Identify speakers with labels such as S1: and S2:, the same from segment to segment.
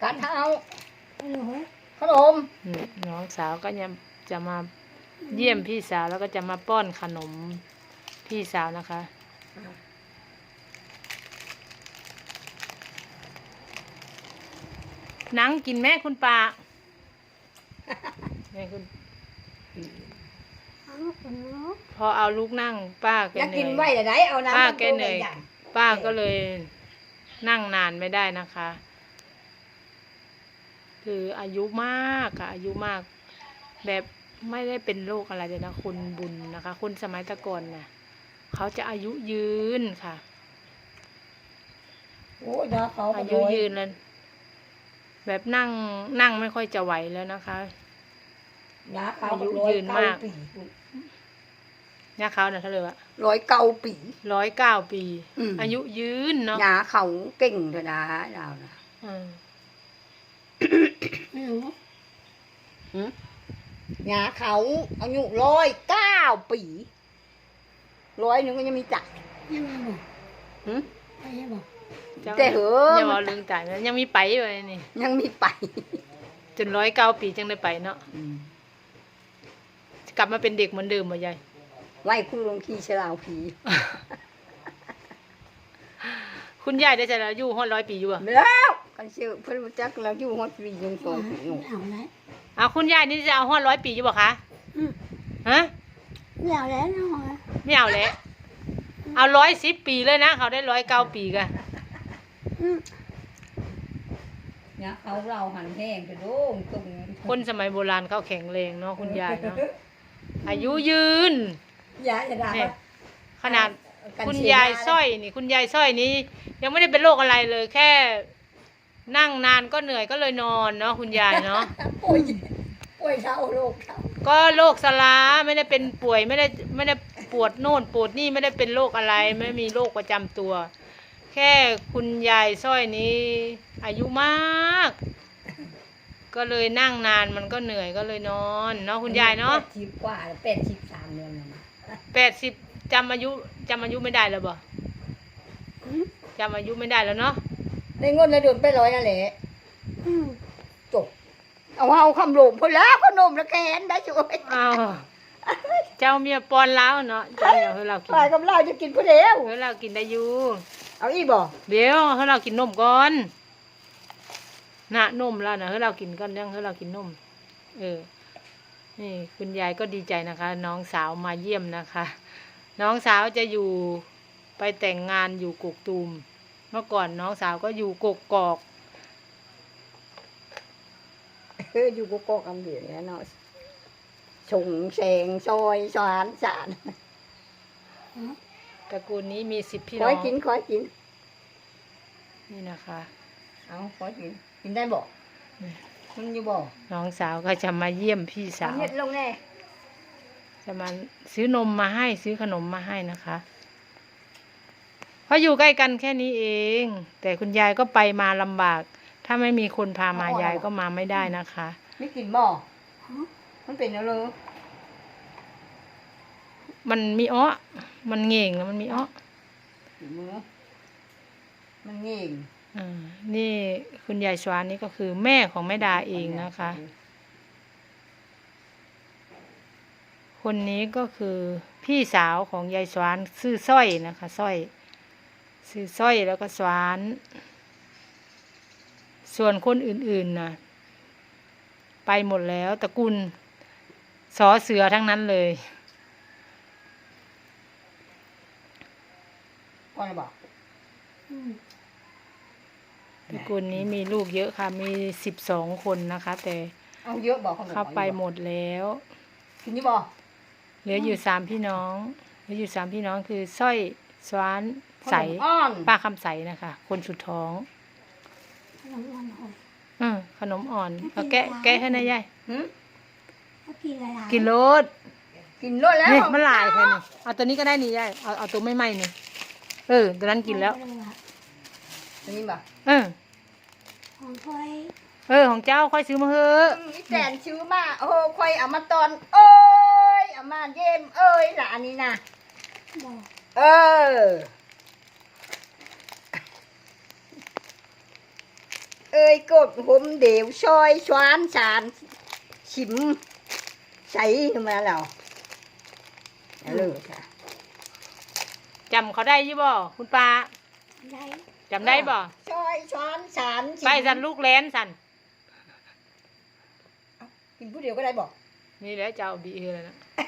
S1: การเท้าขนม
S2: น้องสาวก็จะมาเยี่ยมพี่สาวแล้วก็จะมาป้อนขนมพี่สาวนะคะนั่งกินแม่คุณป้าแม่คุณพอเอาลูกนั่งป้าแกเหนื่อย
S1: กินไว้แต่ไหนเอาน้ำ
S2: ป้าแกเหนื่อยป้าก็เลยนั่งนานไม่ได้นะคะคืออายุมากค่ะอายุมากแบบไม่ได้เป็นโรคอะไรเลยนะคุณบุญนะคะคุณสมัยตะก่อนน่ะเขาจะอายุยืนค่ะ
S1: โอ้ยนะเขา
S2: อายุยืนแล้วแบบนั่งไม่ค่อยจะไหวแล้วนะคะอายุยืนมากเนี่ยเขาเนี่ยเท่าไหร่วะ
S1: 109 ปี
S2: 109 ปีอายุยืนเนาะ
S1: ยาเขาเก่งเถอะนะเรานะยาเขาอายุ109 ปี100ก็ยังมีจัก
S3: ยังไม่บอกยังบอก
S1: แต่เหอะ
S2: ยังเอาลืมตายยังมีไปอยู่นี่
S1: ยังมีไป
S2: จน109 ปีจังได้ไปเนาะกลับมาเป็นเด็กเหมือนเดิมบ่ยาย
S1: ไหว้คุณหลวงพี่ฉลาวผี
S2: คุณยายได้จะอายุ100 ปีอยู่อ่ะ
S1: แล้วกันเชื่อเพิ่นจักแล้วอยู่100 ปียัง2 ปีอยู่
S2: เอาคุณยายนี่จะเอา100 ปีอยู่บ่คะฮะ
S3: ไม่เอาแล้วนะ
S2: ไม่เอาแล้วเอา110 ปีเลยนะเขาได้109 ปีกัน
S1: เนี่ยเขาเราหันแห้งไปดูตรง
S2: คนสมัยโบราณเขาแข็งแรงเนาะคุณยายเนาะอายุยืน
S1: ยายจะด่า
S2: ขนาดคุณยายสร้อยนี่คุณยายสร้อยนี้ยังไม่ได้เป็นโรคอะไรเลยแค่นั่งนานก็เหนื่อยก็เลยนอนเนาะคุณยายเนาะ
S1: ป่วยเท่าโรคเท่า
S2: ก็โรคสลาไม่ได้เป็นป่วยไม่ได้ปวดโน่นปวดนี่ไม่ได้เป็นโรคอะไรไม่มีโรคประจำตัวแค่คุณยายสร้อยนี้อายุมากก็เลยนั่งนานมันก็เหนื่อยก็เลยนอนเนาะคุณยายเนาะ
S1: 80 กว่า83 เดือนแล้ว
S2: 80จำอายุไม่ได้แล้วบ่จำอายุไม่ได้แล้วเนาะ
S1: ในเงินในเดือนไป100นั่นแหละจบเอาคำหลงพอแล้วขนมละแกนได้ช่วย
S2: เจ้าเมียปอนแล้วเนาะเจ้าเฮ้ยเรากิน
S1: ไปกับเราจะกินพอเดียว
S2: เฮ้ยเรากินได้อยู่
S1: เอาอีบ่
S2: เดี๋ยวเฮ้ยเรากินนมก่อนน่ะนมแล้วนะเฮ้ยเรากินก่อนยังเฮ้ยเรากินนมนี่คุณยายก็ดีใจนะคะน้องสาวมาเยี่ยมนะคะน้องสาวจะอยู่ไปแต่งงานอยู่กกตูมเมื่อก่อนน้องสาวก็อยู่กกอก
S1: อยู่กกอกอำเภอเนี่ยเนาะชงแสงซอยสารสาร
S2: ตระกูลนี้มี10 พี่น้อง
S1: ขอกิน
S2: นี่นะคะ
S1: เอาขอกินได้บ่มันอยู่บ่
S2: น้องสาวก็จะมาเยี่ยมพี่สาว
S1: ลงแน่
S2: จะมาซื้อนมมาให้ซื้อขนมมาให้นะคะเพราะอยู่ใกล้กันแค่นี้เองแต่คุณยายก็ไปมาลำบากถ้าไม่มีคนพามายายก็มาไม่ได้นะคะ
S1: ไม่กินบ่มันเป็นอะไร
S2: มันมีอ้อมันเง่งแล้วมันมีอ้อ
S1: มันเง่ง
S2: นี่คุณยายสวานนี่ก็คือแม่ของแม่ดาเองนะคะคนนี้ก็คือพี่สาวของยายสวานชื่อสร้อยนะคะสร้อยชื่อสร้อยแล้วก็สวานส่วนคนอื่นๆนะไปหมดแล้วตระกูลสอเสือทั้งนั้นเลย
S1: พ่อจะบอก
S2: ตระกูลนี้มีลูกเยอะค่ะมี12 คนนะคะแต่
S1: เอาเยอะบอก
S2: เขาไปหมดแล้ว
S1: กินนี่บอก
S2: เหลืออยู่3 พี่น้องคือสร้อยสวานใสป้าคำใสนะคะคนสุดท้องขนมอ่อนเอาแกะให้นายยายกินรส
S1: แล้ว
S2: นี่มันหลายแค่นี้เอาตัวนี้ก็ได้นี่ยายเอาตัวไม่ไหม้นี่ตัวนั้นกินแล้ว
S1: อันนี้บ่
S3: ของค่อย
S2: ของเจ้าค่อยซื้อมาเถอะ
S1: นี่แสนซื้อมาค่อยเอามาตอนเอามาเยี่ยมล่ะอันนี้นะเอ้ยกดผมเดี๋ยวซอยชวานสารชิมใส่ขึ้นมาแล้วเอาเลยค่ะ
S2: จำเขาได้ยี่บ่คุณป้า
S3: ได้
S2: จำได้บ่
S1: ซอยชวานสารชิม
S2: ไปสันลูกแลนสัน
S1: กินผู้เดียวก็ได้บอก
S2: นี่แหละเจ้าดีเลยนะ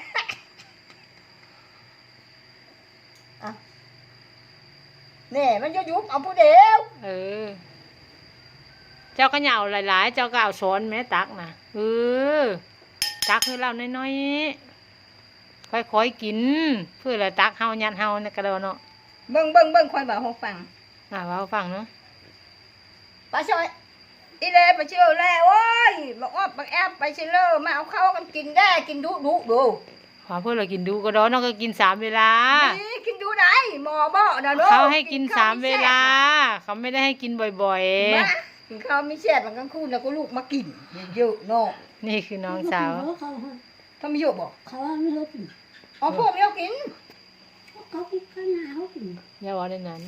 S1: แน่มันจะยุบเอาผู้เดียว
S2: เออ เจ้าก็เหยาหลายๆ เจ้าก็เอาช้อนแม่ตักนะตักให้เราน้อยๆค่อยๆกิน เพื่อละตักเฮายัดเฮาในกระโดดเนาะ
S1: เบิ่งคอยบอกให้ฟัง
S2: ว่าฟังเนาะ
S1: ป้าซอยอีเล่ไปเชื่อแล้วโอ้ยบอกว่าบักแอบไปเชื่อมาเอาเข้ากันกินได้กินดุดู
S2: ขอเพื่อเรากินดูกระโดดเนาะก็กิน3 เวลา
S1: นี่กินดูไหนหมอบ่นะเนาะ
S2: เขาให้กิน3 เวลา เขาไม่ได้ให้กินบ่อย
S1: มากินข้าวไม่แซ่บมันกลางคืนแล้วก็ลูกมากินเยอะๆเนาะ
S2: ๆ นี่คือน้องสาว
S3: เขา
S1: ถ้าไม่เยอะบอก
S3: เขาไม่รู้กิน
S1: อ๋อพวกไม่เอากิน
S3: เขากินข้าวหนาวกิน
S2: อย่าว่าได้นั้น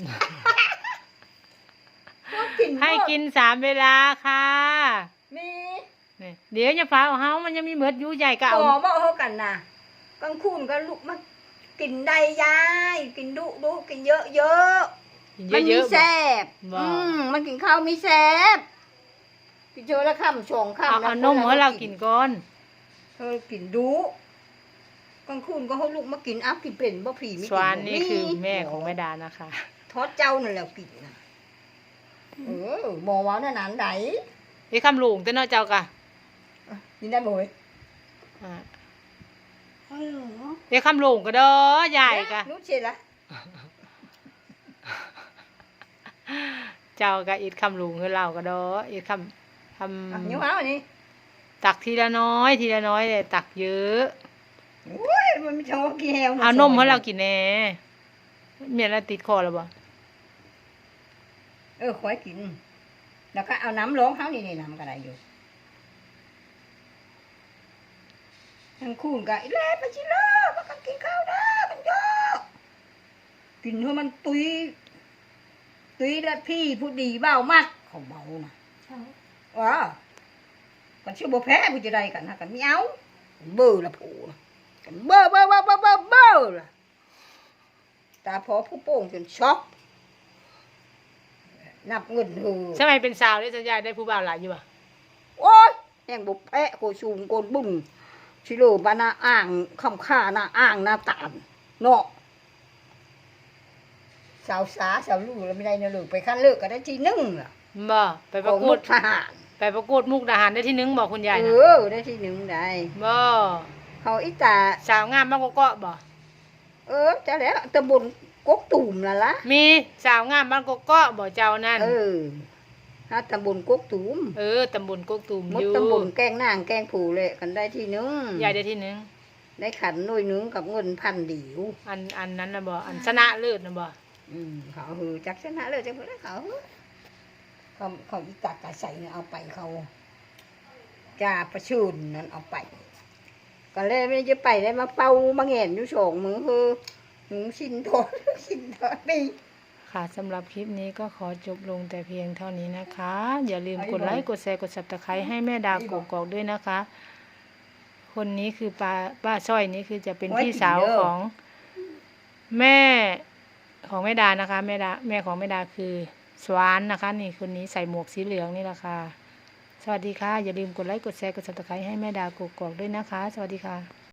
S1: พวกกิน
S2: ให้กิน3 เวลาค่ะ
S1: มี
S2: นี่เดี๋ยวจะฟ้าเอาเฮามันยังมีเหมือดอยู่ใหญ่ก็
S1: ห
S2: เอา
S1: มอบ่เฮากันน่ะกลางคืนก็ลูกมากินได้ยายกินดุกินเยอะๆ
S2: กิน
S1: มัน
S2: เย
S1: มี
S2: อะๆบ่
S1: แซ่บ
S2: บ่
S1: มันกินข้าวมีแซ่บกินเจอละค่ำสองค่ำ
S2: เอานมให้เรากินก่อน
S1: กินดุกลางคืนก็เขาลูกมากินอ้าวกินเป็นบ่ผีไม่
S2: ส
S1: กิน
S2: วานนี่
S1: บ่
S2: คือแม่ของแม่ดานะคะ
S1: ทอดเจ้านั่นแหละกินนะหมอว่านั่นนานไหน
S2: ไอ้คำหลงแต่เนาะเจ้ากะ
S1: กินได้บ่เว้ย
S2: อ่า
S3: ฮัลโหล
S2: ไอ้คำหลงก็เด้อใหญ่กะ
S1: นุชเสร็จละ
S2: เจ้ากะอีดคำหลงคือเราก็เด้ออีดคำ
S1: นิ้วเอาอันนี้
S2: ตักทีละน้อยเลยตักเยอะ
S1: โอ้ยมันไม่ชอบกินแฮว
S2: เอานมให้เรากินแน่เมียเราติดคอแล้วบ่
S1: คอยกิน แล้วก็เอาน้ำร้องเขานี่น้ำก็ได้อยู่ทั้งคู่ก็อีเล่ไปชิโร่มากันกินข้าวนะมันเยอะกินเท่ามันตุยและพี่ผู้ดีเบ้ามากเขาเบานะ
S3: เขา
S1: กันชื่อบ่แพ้ผู้จะได้กันนะกันไม่เอาเบื่อละผู้กันเบื่อละตาพอผู้โป่งจนช็อกนับเงินหือ
S2: สมัยเป็นสาวได้สัญญาได้ผู้บ่าวหลายอยู่บ่
S1: โอ้ยแห่งบุแพะโกชูงโกนบุ้งชิโร่บานาอ่างคำค่าหน้าอ่างหน้าตานเนาะสาวลูกแล้วไม่ได้เนื้อลูกไปขั้นเลิกก็ได้ทีนึงล่ะ
S2: บ่ไปป
S1: ข
S2: ระ
S1: อง
S2: ก
S1: มุ
S2: วด
S1: กทหาร
S2: ไปประกวดมุกดาหารได้ที่1บอกคุณยายนะ
S1: ได้ทีนึงได้
S2: บ่
S1: เขาอีตา
S2: สาวงามบางกอกบ่
S1: จะแล้วตำบลกกตุ่มล่ะ
S2: มีสาวงามบ้านกกอกบ่เจ้านั่น
S1: ถ้าตำบลกกตุ่ม
S2: ตำบลกกตูม
S1: ม
S2: อ
S1: ด
S2: ยู่
S1: ตำบลแกงนางแกงผูเลยกันได้ทีนึง
S2: ยายได้ที่1
S1: ได้ขันหน่วยนึงกับเงิน1,000 ดิว
S2: อันนั้นน่ะบ่อันชนะเลิศน่ะบ่
S1: เขาหือจักชนะเลยจังเพื่อนเขาอีกากาใส่เนี่ยเอาไปเขาจ่าประชุนนั่นเอาไปก็เลยไม่จะไปได้มาเป่ามาแงนอยู่สองมือคือหนูชินทอดนี่
S2: ค่ะสำหรับคลิปนี้ก็ขอจบลงแต่เพียงเท่านี้นะคะ อย่าลืมกดไลค์กดแชร์กด Subscribe ให้แม่ดาวกกอกด้วยนะคะ คนนี้คือป้าสร้อยนี้คือจะเป็นพี่สาวของแม่ของแม่ดานะคะแม่ของแม่ดาคือสวานนะคะ นี่คนนี้ใส่หมวกสีเหลืองนี่แหละค่ะสวัสดีค่ะอย่าลืมกดไลค์กดแชร์กด Subscribe ให้แม่ดากกอกด้วยนะคะ สวัสดีค่ะ